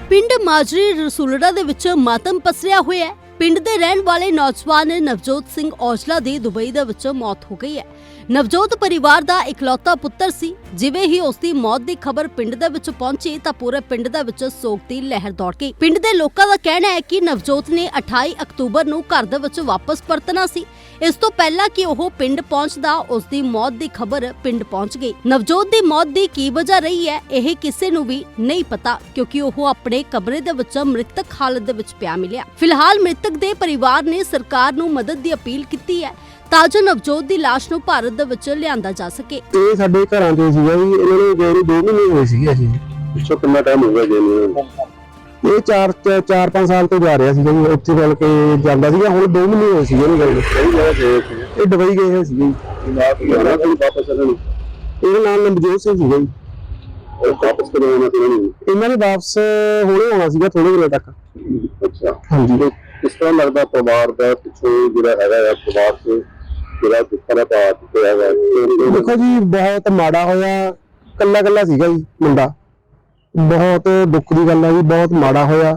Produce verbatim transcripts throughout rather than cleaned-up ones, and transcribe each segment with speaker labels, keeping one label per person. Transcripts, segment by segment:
Speaker 1: ਪਿੰਡ ਮਾਜਰੀ ਰਸੂਲੜਾ ਦੇ ਵਿੱਚ ਮਾਤਮ ਪਸਰਿਆ ਹੋਇਆ ਹੈ। ਪਿੰਡ ਦੇ ਰਹਿਣ ਵਾਲੇ ਨੌਜਵਾਨ ਨਵਜੋਤ ਸਿੰਘ ਔਜਲਾ ਦੀ ਦੁਬਈ ਦੇ ਵਿੱਚ ਮੌਤ ਹੋ ਗਈ ਹੈ। ਨਵਜੋਤ ਪਰਿਵਾਰ ਦਾ ਇਕਲੌਤਾ ਪੁੱਤਰ ਸੀ। ਜਿਵੇਂ ਹੀ ਉਸ ਦੀ ਮੌਤ ਦੀ ਖਬਰ ਪਿੰਡ ਦੇ ਵਿੱਚ ਪਹੁੰਚੀ ਤਾਂ ਪੂਰੇ ਪਿੰਡ ਦੇ ਵਿੱਚ ਸੋਗ ਦੀ ਲਹਿਰ ਦੌੜ ਗਈ। ਪਿੰਡ ਦੇ ਲੋਕਾਂ ਦਾ ਕਹਿਣਾ ਹੈ ਕਿ ਨਵਜੋਤ ਨੇ ਅਠਾਈ ਅਕਤੂਬਰ ਨੂੰ ਘਰ ਦੇ ਵਿੱਚ ਵਾਪਸ ਪਰਤਣਾ ਸੀ। ਇਸ ਤੋਂ ਪਹਿਲਾਂ ਕਿ ਉਹ ਪਿੰਡ ਪਹੁੰਚਦਾ ਉਸ ਦੀ ਮੌਤ ਦੀ ਖਬਰ ਪਿੰਡ ਪਹੁੰਚ ਗਈ। ਨਵਜੋਤ ਦੀ ਮੌਤ ਦੀ ਕੀ ਵਜ੍ਹਾ ਰਹੀ ਹੈ ਇਹ ਕਿਸੇ ਨੂੰ ਵੀ ਨਹੀਂ ਪਤਾ, ਕਿਉਂਕਿ ਉਹ ਆਪਣੇ ਕਮਰੇ ਦੇ ਵਿੱਚ ਮ੍ਰਿਤਕ ਹਾਲਤ ਦੇ ਵਿੱਚ ਪਿਆ ਮਿਲਿਆ। ਫਿਲਹਾਲ ਮ੍ਰਿਤਕ ਦੇ ਪਰਿਵਾਰ ਨੇ ਸਰਕਾਰ ਨੂੰ ਮਦਦ ਦੀ ਅਪੀਲ ਕੀਤੀ ਹੈ ਤਾਂ ਜੋ ਨਵਜੋਤ ਦੀ ਲਾਸ਼ ਨੂੰ ਭਾਰਤ ਦੇ ਵਿੱਚ ਲਿਆਂਦਾ ਜਾ ਸਕੇ।
Speaker 2: ਇਹ ਸਾਡੇ ਘਰਾਂ ਦੇ ਸੀਗਾ ਜੀ, ਇਹਨਾਂ ਨੂੰ ਗਏ ਨੂੰ ਦੋ ਮਹੀਨੇ ਹੋਏ ਸੀਗੇ। ਅਸੀਂ
Speaker 3: ਪਿੱਛੋਂ ਕਿੰਨਾ ਟਾਈਮ ਹੋ ਗਿਆ ਗਏ ਨੂੰ?
Speaker 2: ਇਹ ਚਾਰ ਚਾਰ ਪੰਜ ਸਾਲ ਤੋਂ ਜਾ ਰਿਹਾ ਸੀਗਾ ਜੀ, ਉੱਥੇ ਚੱਲ ਕੇ ਜਾਂਦਾ ਸੀਗਾ। ਹੁਣ ਦੋ ਮਹੀਨੇ ਹੋਏ ਸੀਗੇ ਇਹਨੂੰ ਗਏ ਨੂੰ।
Speaker 3: ਸਹੀ ਜਗ੍ਹਾ ਗਏ ਸੀ।
Speaker 2: ਇਹ ਦੁਬਈ ਗਏ ਹੋਏ ਸੀਗੇ ਜੀ।
Speaker 3: ਇਹਨਾਂ ਕੋਲ ਵਾਪਸ ਆਉਣਾ ਨਹੀਂ।
Speaker 2: ਇਹਦਾ ਨਾਮ ਨਵਜੋਤ ਸਿੰਘ ਸੀਗਾ ਜੀ।
Speaker 3: ਉਹ ਵਾਪਸ ਕਦੋਂ ਆਉਣਾ ਸੀ ਇਹਨਾਂ
Speaker 2: ਇਹਨਾਂ ਨੇ ਵਾਪਸ ਹੁਣੇ ਆਉਣਾ ਸੀਗਾ ਥੋੜੇ ਦਿਨਾਂ ਤੱਕ।
Speaker 3: ਅੱਛਾ
Speaker 2: ਹਾਂਜੀ।
Speaker 3: ਕਿਸ ਤਰ੍ਹਾਂ ਲੱਗਦਾ ਪਰਿਵਾਰ ਦਾ ਪਿੱਛੋਂ ਜਿਹੜਾ ਹੈਗਾ ਆ ਪਰਿਵਾਰ ਤੋਂ ਜਿਹੜਾ ਦੁੱਖਾਂ ਦਾ ਭਾਰ ਪਿਆ ਹੈਗਾ?
Speaker 2: ਦੇਖੋ ਜੀ ਬਹੁਤ ਮਾੜਾ ਹੋਇਆ। ਕੱਲਾ ਕੱਲਾ ਸੀਗਾ ਜੀ ਮੁੰਡਾ। ਬਹੁਤ ਦੁੱਖ ਦੀ ਗੱਲ ਹੈ ਜੀ, ਬਹੁਤ ਮਾੜਾ ਹੋਇਆ।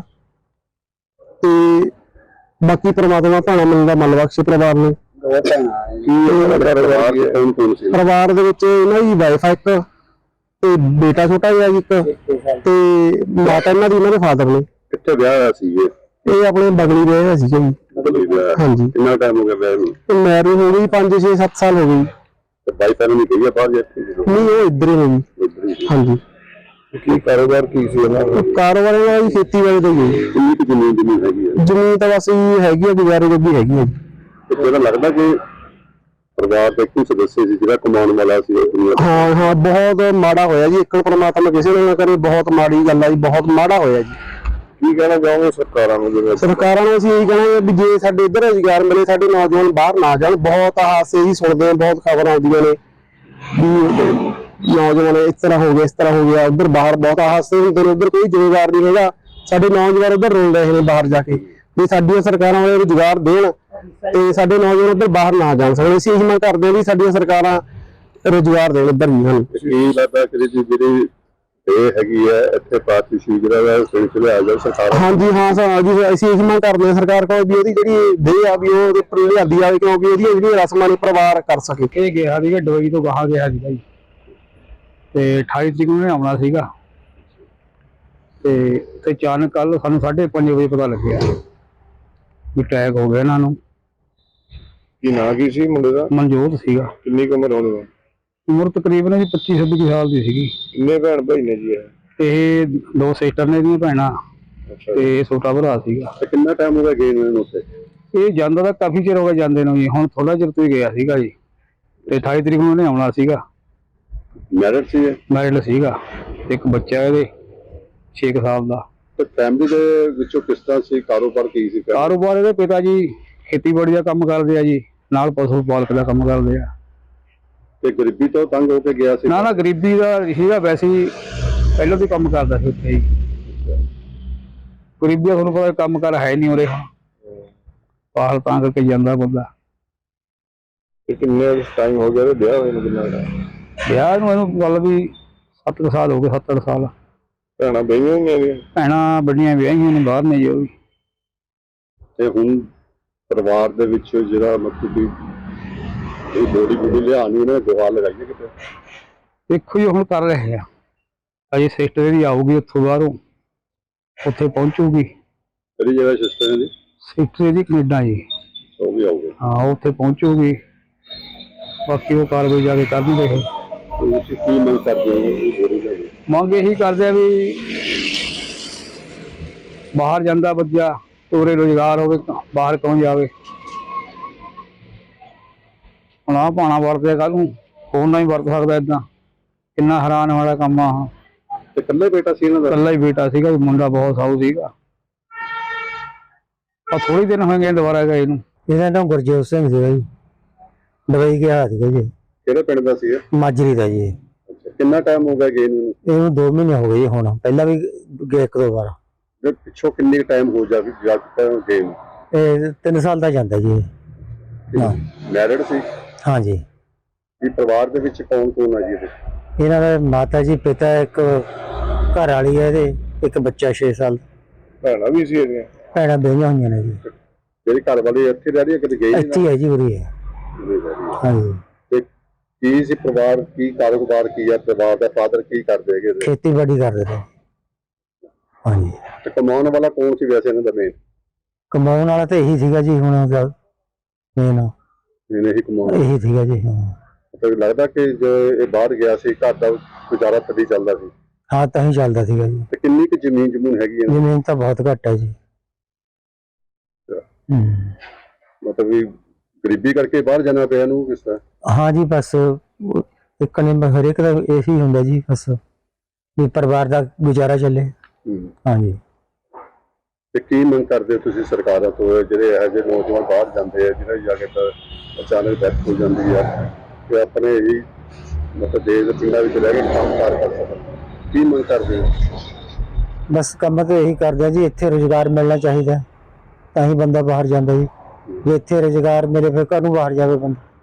Speaker 2: ਤੇ ਬਾਕੀ ਪ੍ਰਮਾਤਮਾ ਭਾਣਾ ਮਨ ਦਾ ਮਨ ਬਖਸ਼ੇ ਪਰਿਵਾਰ ਨੂੰ।
Speaker 3: ਪਰਿਵਾਰ ਦੇ ਕੌਣ ਕੌਣ ਸੀ?
Speaker 2: ਪਰਿਵਾਰ ਦੇ ਵਿੱਚ ਇਹਨਾਂ ਦੀ ਵਾਈਫ ਇੱਕ ਤੇ ਬੇਟਾ ਛੋਟਾ ਜਿਹਾ ਜੀ ਇੱਕ, ਤੇ ਮਾਤਾ ਇਹਨਾਂ ਦੀ ਇਹਨਾਂ ਦੇ ਫਾਦਰ ਨੇ।
Speaker 3: ਕਿੱਥੇ ਵਿਆਹ ਹੋਇਆ ਸੀ ਇਹ?
Speaker 2: ਇਹ ਆਪਣੇ ਬਗਲੀ ਰਹੇ ਹੋਏ ਸੀਗੇ ਜੀ। ਹਾਂਜੀ।
Speaker 3: ਕਿੰਨਾ ਟਾਈਮ ਹੋ ਗਿਆ ਵਿਆਹ ਨੂੰ?
Speaker 2: ਮੈਰਿਜ ਹੋ ਗਈ ਪੰਜ ਛੇ ਸੱਤ ਸਾਲ ਹੋ ਗਏ।
Speaker 3: ਤੇ ਬਾਈ ਪਹਿਲਾਂ ਨਹੀਂ ਕਹੀਆ ਬਾਹਰ ਜਾ ਕੇ?
Speaker 2: ਨਹੀਂ, ਉਹ ਇੱਧਰ ਹੀ ਨੇ ਜੀ। ਹਾਂਜੀ।
Speaker 3: ਕੀ ਕਾਰੋਬਾਰ ਕੀ ਸੀ ਇਹਨਾਂ ਦਾ?
Speaker 2: ਕਾਰੋਬਾਰ ਇਹਨਾਂ ਦੀ ਖੇਤੀਬਾੜੀ ਦਾ ਹੀ ਹੈ।
Speaker 3: ਕਿੰਨੀ ਕੁ ਜ਼ਮੀਨ ਜ਼ਮੀਨ ਹੈਗੀ ਹੈ?
Speaker 2: ਜ਼ਮੀਨ ਤਾਂ ਬਸ ਇਹ ਹੈਗੀ ਆ, ਗੁਜ਼ਾਰੇ ਜੋਗੀ ਹੈਗੀ ਹੈ।
Speaker 3: ਤੇ ਜਿਹੜਾ ਲੱਗਦਾ ਕਿ ਪਰਿਵਾਰ ਦਾ ਇੱਕ ਸਦੱਸਿਆ ਸੀ ਜਿਹੜਾ ਕਮਾਉਣ ਵਾਲਾ ਸੀ ਉਹ ਦੁਨੀਆ ਤੋਂ?
Speaker 2: ਹਾਂ ਹਾਂ, ਬਹੁਤ ਮਾੜਾ ਹੋਇਆ ਜੀ। ਇੱਕ ਪਰਮਾਤਮਾ ਕਿਸੇ ਨੂੰ ਨਾ ਕਰੇ। ਬਹੁਤ ਮਾੜੀ ਗੱਲ ਆ ਜੀ, ਬਹੁਤ ਮਾੜਾ ਹੋਇਆ ਜੀ।
Speaker 3: ਕੀ ਕਹਿਣਾ ਚਾਹੋਗੇ ਸਰਕਾਰਾਂ ਨੂੰ? ਜਿਵੇਂ
Speaker 2: ਸਰਕਾਰਾਂ ਨੂੰ ਅਸੀਂ ਇਹੀ ਕਹਿਣਾ ਵੀ ਜੇ ਸਾਡੇ ਇੱਧਰ ਰੁਜ਼ਗਾਰ ਮਿਲੇ, ਸਾਡੇ ਨੌਜਵਾਨ ਬਾਹਰ ਨਾ ਜਾਣ। ਬਹੁਤ ਹਾਦਸੇ ਹੀ ਸੁਣਦੇ ਆ, ਬਹੁਤ ਖਬਰਾਂ ਆਉਂਦੀਆਂ ਨੇ ਵੀ ਨੌਜਵਾਨ ਇਸ ਤਰ੍ਹਾਂ ਹੋ ਗਿਆ, ਇਸ ਤਰ੍ਹਾਂ ਹੋ ਗਿਆ। ਉੱਧਰ ਬਾਹਰ ਬਹੁਤ ਹਾਦਸੇ ਹੁੰਦੇ ਨੇ। ਉੱਧਰ ਕੋਈ ਰੁਜ਼ਗਾਰ ਨਹੀਂ ਹੈਗਾ। ਸਾਡੇ ਨੌਜਵਾਨ ਉੱਧਰ ਰੋਲ ਰਹੇ ਨੇ ਬਾਹਰ ਜਾ ਕੇ। ਵੀ ਸਾਡੀਆਂ ਸਰਕਾਰਾਂ ਵਾਲੇ ਰੁਜ਼ਗਾਰ ਦੇਣ ਤੇ ਸਾਡੇ ਨੌਜਵਾਨ ਉੱਧਰ ਬਾਹਰ ਨਾ ਜਾਣ ਸਕਣ। ਅਸੀਂ ਇਹੀ ਮੰਗ ਕਰਦੇ ਹਾਂ ਵੀ ਸਾਡੀਆਂ ਸਰਕਾਰਾਂ ਰੁਜ਼ਗਾਰ ਦੇਣ ਇੱਧਰ ਵੀ ਹਨ।
Speaker 3: ਕੀ ਲੱਗਦਾ ਕਿ ਜਿਹੜੀ ਇਹ ਹੈਗੀ ਹੈ ਇੱਥੇ ਪਾਰਟੀਸ਼ੀ ਜਿਹੜਾ ਹੈ ਸਿਲਸਿਲੇ ਆ ਜਾ ਸਰਕਾਰ?
Speaker 2: ਹਾਂਜੀ ਹਾਂ ਸਰ ਜੀ, ਅਸੀਂ ਇਹੀ ਮੰਗ ਕਰਦੇ ਹਾਂ ਸਰਕਾਰ ਕੋਲ ਵੀ ਉਹਦੀ ਜਿਹੜੀ ਦੇਹ ਆ ਵੀ ਉਹ ਉਹਦੇ ਉੱਪਰ ਲਿਆਂਦੀ ਜਾਵੇ, ਕਿਉਂਕਿ ਇਹਦੀਆਂ ਜਿਹੜੀਆਂ ਰਸਮਾਂ ਨੇ ਪਰਿਵਾਰ ਕਰ ਸਕੇ।
Speaker 4: ਇਹ ਗਿਆ ਸੀਗਾ ਦੁਬਈ ਤੋਂ ਗਾਹਾਂ ਗਿਆ ਸੀਗਾ ਜੀ, ਤੇ ਅਠਾਈ ਤਰੀਕ ਨੂੰ ਆਉਣਾ ਸੀਗਾ। ਤੇ ਤੇ ਅਚਾਨਕ ਕੱਲ ਸਾਨੂੰ ਸਾਢੇ ਪੰਜ ਵਜੇ ਪਤਾ ਲੱਗਿਆ ਵੀ ਅਟੈਕ ਹੋ ਗਿਆ ਇਹਨਾਂ ਨੂੰ।
Speaker 3: ਕੀ ਨਾਂ ਕੀ ਸੀ ਮੁੰਡੇ ਦਾ?
Speaker 4: ਮਨਜੋਤ ਸੀਗਾ।
Speaker 3: ਕਿੰਨੀ ਕੁ ਉਮਰ ਹੋਣੀ?
Speaker 4: ਉਮਰ ਤਕਰੀਬਨ ਜੀ ਪੱਚੀ ਛੱਬੀ ਸਾਲ ਦੀ ਸੀਗੀ।
Speaker 3: ਕਿੰਨੇ ਭੈਣ ਭਾਈ ਨੇ ਜੀ ਇਹ?
Speaker 4: ਤੇ ਦੋ ਸਿਸਟਰ ਨੇ ਦੀਆਂ ਭੈਣਾਂ
Speaker 3: ਅੱਛਾ।
Speaker 4: ਤੇ ਛੋਟਾ ਭਰਾ ਸੀਗਾ।
Speaker 3: ਤੇ ਕਿੰਨਾ ਟਾਈਮ ਹੋ ਗਿਆ ਗਏ ਨੂੰ ਉੱਥੇ?
Speaker 4: ਇਹ ਜਾਂਦਾ ਤਾਂ ਕਾਫੀ ਚਿਰ ਹੋ ਗਿਆ ਜਾਂਦੇ ਨੂੰ ਜੀ। ਹੁਣ ਥੋੜਾ ਚਿਰ ਤੋਂ ਹੀ ਗਿਆ ਸੀਗਾ ਜੀ। ਤੇ ਅਠਾਈ ਤਰੀਕ ਨੂੰ ਉਹਨੇ ਆਉਣਾ ਸੀਗਾ।
Speaker 3: ਮੈਰਿਡ ਸੀ?
Speaker 4: ਮੈਰਿਡ ਸੀਗਾ। ਇੱਕ ਬੱਚਾ ਇਹਦੇ ਛੇ ਕੁ ਸਾਲ ਦਾ।
Speaker 3: ਤੇ ਫੈਮਿਲੀ ਦੇ ਵਿੱਚੋਂ ਕਿਸ ਤਰ੍ਹਾਂ ਸੀ? ਕਾਰੋਬਾਰ ਕੀ ਸੀ?
Speaker 4: ਕਾਰੋਬਾਰ ਇਹਦੇ ਪਿਤਾ ਜੀ ਖੇਤੀਬਾੜੀ ਦਾ ਕੰਮ ਕਰਦੇ ਆ ਜੀ, ਨਾਲ ਪਸ਼ੂ ਪਾਲਕ ਦਾ ਕੰਮ ਕਰਦੇ ਆ।
Speaker 3: ਤੇ ਗਰੀਬੀ ਤੋਂ ਤੰਗ ਹੋ ਕੇ ਗਿਆ ਸੀ?
Speaker 4: ਨਾ ਨਾ, ਗਰੀਬੀ ਦਾ ਸੀਗਾ, ਵੈਸੇ ਹੀ ਪਹਿਲਾਂ ਤੋਂ ਕੰਮ ਕਰਦਾ ਸੀ ਉੱਥੇ ਹੀ। ਗਰੀਬੀ ਦਾ ਤੁਹਾਨੂੰ ਪਤਾ ਕੰਮ ਕਰ ਹੈ ਨਹੀਂ ਉਰੇ। ਹੁਣ ਪਾਲ ਤਾਂ ਕਰਕੇ ਜਾਂਦਾ ਬੰਦਾ।
Speaker 3: ਤੇ ਕਿੰਨੇ ਟਾਈਮ ਹੋ ਗਿਆ ਵਿਆਹ ਹੋਏ ਨੂੰ? ਕਿੰਨਾ ਟਾਈਮ
Speaker 4: ਵਿਆਹ ਨੂੰ ਇਹਨੂੰ ਗੱਲ ਵੀ ਸੱਤ ਕੁ ਸਾਲ ਹੋ ਗਏ, ਸੱਤ ਅੱਠ ਸਾਲ।
Speaker 3: ਭੈਣਾਂ ਬਈਆਂ ਹੋਈਆਂ ਨੇ?
Speaker 4: ਭੈਣਾਂ ਵੱਡੀਆਂ ਵਿਆਹੀਆਂ ਨੇ, ਬਾਹਰ ਨੇ ਜੀ ਉਹ ਵੀ।
Speaker 3: ਤੇ ਹੁਣ ਪਰਿਵਾਰ ਦੇ ਵਿੱਚ ਜਿਹੜਾ ਮਤਲਬ ਕਿ ਇਹ ਬੋਡੀ ਬੋਡੀ ਲਿਆਉਣੀ ਉਹਨੇ ਗੁਹਾਰ ਲਗਾਈਏ ਕਿਤੇ?
Speaker 4: ਦੇਖੋ ਜੀ ਹੁਣ ਕਰ ਰਹੇ ਆ। ਅਜੇ ਸਿਸਟਰ ਦੀ ਆਊਗੀ ਉੱਥੋਂ ਬਾਹਰੋਂ, ਉੱਥੇ ਪਹੁੰਚੂਗੀ।
Speaker 3: ਕਿਹੜੀ ਜਗ੍ਹਾ ਸਿਸਟਰ ਦੀ?
Speaker 4: ਸਿਸਟਰ ਦੀ ਕੈਨੇਡਾ ਜੀ।
Speaker 3: ਉਹ ਵੀ ਆਊਗੇ?
Speaker 4: ਹਾਂ, ਉੱਥੇ ਪਹੁੰਚੂਗੀ। ਬਾਕੀ ਉਹ ਕਾਰਵਾਈ ਜਾ ਕੇ ਕਰਦੀ ਦੇਖੋ।
Speaker 3: ਤੁਸੀਂ ਕੀ ਮੰਗ ਕਰਦੇ ਹੋ ਇਹ ਬੋਡੀ ਦਾ?
Speaker 4: ਮੰਗ ਇਹੀ ਕਰਦੇ ਆ ਵੀ ਬਾਹਰ ਜਾਂਦਾ ਬੱਚਾ, ਉਰੇ ਰੁਜ਼ਗਾਰ ਹੋਵੇ, ਬਾਹਰ ਕੌਣ ਜਾਵੇ। ਹੁਣ ਆਹ ਪਾਣਾ ਵਰਤਿਆ, ਕੱਲ ਨੂੰ ਹੋਰ ਨਾ ਹੀ ਵਰਤ ਸਕਦਾ। ਏਦਾਂ ਕਿੰਨਾ ਹੈਰਾਨ ਵਾਲਾ ਕੰਮ ਆ।
Speaker 3: ਤੇ ਇਕੱਲੇ ਬੇਟਾ ਸੀ ਇਹਨਾਂ ਦਾ?
Speaker 4: ਇਕੱਲਾ ਹੀ ਬੇਟਾ ਸੀਗਾ, ਮੁੰਡਾ ਬਹੁਤ ਸਾਊ ਸੀਗਾ। ਆ ਥੋੜੀ ਦਿਨ ਹੋਏ ਗਏ ਦੁਬਾਰਾ ਗਏ ਨੂੰ।
Speaker 2: ਇਹਦਾ ਨਾਮ ਗੁਰਜੋਤ ਸਿੰਘ ਸੀਗਾ ਜੀ। ਦੁਬਈ ਗਿਆ ਸੀਗਾ ਜੀ।
Speaker 3: ਕਿਹੜੇ ਪਿੰਡ ਦਾ ਸੀ ਇਹ?
Speaker 2: ਮਾਜਰੀ ਦਾ ਜੀ।
Speaker 3: ਅੱਛਾ। ਕਿੰਨਾ ਟਾਈਮ ਹੋ ਗਿਆ ਗਏ ਨੂੰ?
Speaker 2: ਇਹਨੂੰ ਦੋ ਮਹੀਨੇ ਹੋ ਗਏ ਜੀ। ਹੁਣ ਪਹਿਲਾਂ ਵੀ ਗਏ ਇੱਕ ਦੋ ਵਾਰ।
Speaker 3: ਪਿੱਛੋਂ ਕਿੰਨੇ ਟਾਈਮ ਹੋ ਜਾ ਜਾ ਗਏ ਨੂੰ?
Speaker 2: ਇਹ ਤਿੰਨ ਸਾਲ ਦਾ ਜਾਂਦਾ ਜੀ। ਹਾਂ।
Speaker 3: ਮੈਰਿਡ ਸੀ?
Speaker 2: ਹਾਂਜੀ।
Speaker 3: ਇਹ ਪਰਿਵਾਰ ਦੇ ਵਿੱਚ ਕੌਣ ਕੌਣ ਆ ਜੀ ਇਹਦੇ?
Speaker 2: ਇਹਨਾਂ ਦੇ ਮਾਤਾ ਜੀ, ਪਿਤਾ, ਇੱਕ ਘਰ ਵਾਲੀ ਹੈ ਇਹਦੇ,
Speaker 4: ਇੱਕ ਬੱਚਾ ਛੇ ਸਾਲ
Speaker 3: ਭੈਣਾਂ ਵੀ ਸੀ ਇਹਦੀਆਂ
Speaker 4: ਭੈਣਾਂ ਵਿਆਹੀਆਂ ਹੋਈਆਂ ਨੇ ਜੀ
Speaker 3: ਜਿਹੜੀ ਘਰ ਵਾਲੀ ਇੱਥੇ ਰਹਿ ਰਹੀ ਹੈ ਕਿਤੇ ਗਈ
Speaker 4: ਇੱਥੇ ਹੀ ਹੈ ਜੀ ਉਰੀ ਹੈ
Speaker 3: ਨਹੀਂ
Speaker 4: ਹਾਂਜੀ
Speaker 3: ਤੇ ਕੀ ਸੀ ਪਰਿਵਾਰ ਕੀ ਕਾਰੋਬਾਰ ਕੀ ਹੈ ਪਰਿਵਾਰ ਦਾ ਫਾਦਰ ਕੀ ਕਰਦੇ ਹੈਗੇ ਇਹਦੇ?
Speaker 4: ਖੇਤੀਬਾੜੀ ਕਰਦੇ ਨੇ ਹਾਂਜੀ
Speaker 3: ਤੇ ਕਮਾਉਣ ਵਾਲਾ ਕੌਣ ਸੀ ਵੈਸੇ ਇਹਨਾਂ ਦਾ ਮੇਨ
Speaker 4: ਕਮਾਉਣ ਵਾਲਾ ਤਾਂ ਇਹੀ ਸੀਗਾ ਜੀ ਹੁਣ ਦਾ ਮੇਨ
Speaker 3: ਇਹਨੇ ਹੀ ਕਮਾਉਣ
Speaker 4: ਇਹੀ ਸੀਗਾ ਜੀ ਹਾਂ
Speaker 3: ਮਤਲਬ ਲੱਗਦਾ ਕਿ ਜੋ ਇਹ ਬਾਹਰ ਗਿਆ ਸੀ ਘਰ ਦਾ ਗੁਜ਼ਾਰਾ ਤਦੀ ਚੱਲਦਾ ਸੀ
Speaker 4: ਹਾਂ ਤਾਂ ਹੀ ਚੱਲਦਾ ਸੀਗਾ ਜੀ
Speaker 3: ਤੇ ਕਿੰਨੀ ਕੁ ਜ਼ਮੀਨ ਜਮੂਨ ਹੈਗੀ ਹੈ
Speaker 4: ਜ਼ਮੀਨ ਤਾਂ ਬਹੁਤ ਘੱਟ ਹੈ ਜੀ ਹੂੰ
Speaker 3: ਮਤਲਬ ਵੀ ਗਰੀਬੀ ਕਰਕੇ ਬਾਹਰ ਜਾਣਾ ਪਿਆ ਇਹਨੂੰ ਕਿਸ ਤਰ੍ਹਾਂ
Speaker 4: ਹਾਂ ਜੀ ਬਸ ਉਹ ਇੱਕ ਨੇ ਬਸ ਹਰੇਕ ਦਾ ਇਹੀ ਹੁੰਦਾ ਜੀ ਬਸ ਵੀ ਪਰਿਵਾਰ ਦਾ ਗੁਜ਼ਾਰਾ ਚੱਲੇ
Speaker 3: ਹੂੰ।
Speaker 4: ਹਾਂਜੀ
Speaker 3: ਤੇ ਕੀ ਮੰਗ ਕਰਦੇ ਹੋ ਤੁਸੀਂ ਸਰਕਾਰਾਂ ਤੋਂ ਜਿਹੜੇ ਇਹੋ ਜਿਹੇ ਨੌਜਵਾਨ ਬਾਹਰ ਜਾਂਦੇ ਆ ਜਿਹਨਾਂ ਦੀ ਜਾ ਕੇ ਤਾਂ ਅਚਾਨਕ ਡੈਥ ਹੋ ਜਾਂਦੀ ਆ ਕਿ ਆਪਣੇ ਹੀ ਮਤਲਬ ਦੇਸ਼ ਦੇ ਪਿੰਡਾਂ ਵਿੱਚ ਰਹਿ ਕੇ ਕੰਮ ਕਾਰ ਕਰ ਸਕਣ ਕੀ ਮੰਗ ਕਰਦੇ ਹੋ
Speaker 4: ਬਸ ਕੰਮ ਤਾਂ ਇਹੀ ਕਰਦੇ ਆ ਜੀ ਇੱਥੇ ਰੁਜ਼ਗਾਰ ਮਿਲਣਾ ਚਾਹੀਦਾ ਤਾਂ ਹੀ ਬੰਦਾ ਬਾਹਰ ਜਾਂਦਾ ਜੀ ਜੇ ਇੱਥੇ ਰੁਜ਼ਗਾਰ ਮਿਲੇ ਫਿਰ ਘਰ ਨੂੰ ਬਾਹਰ ਜਾਵੇ ਬੰਦਾ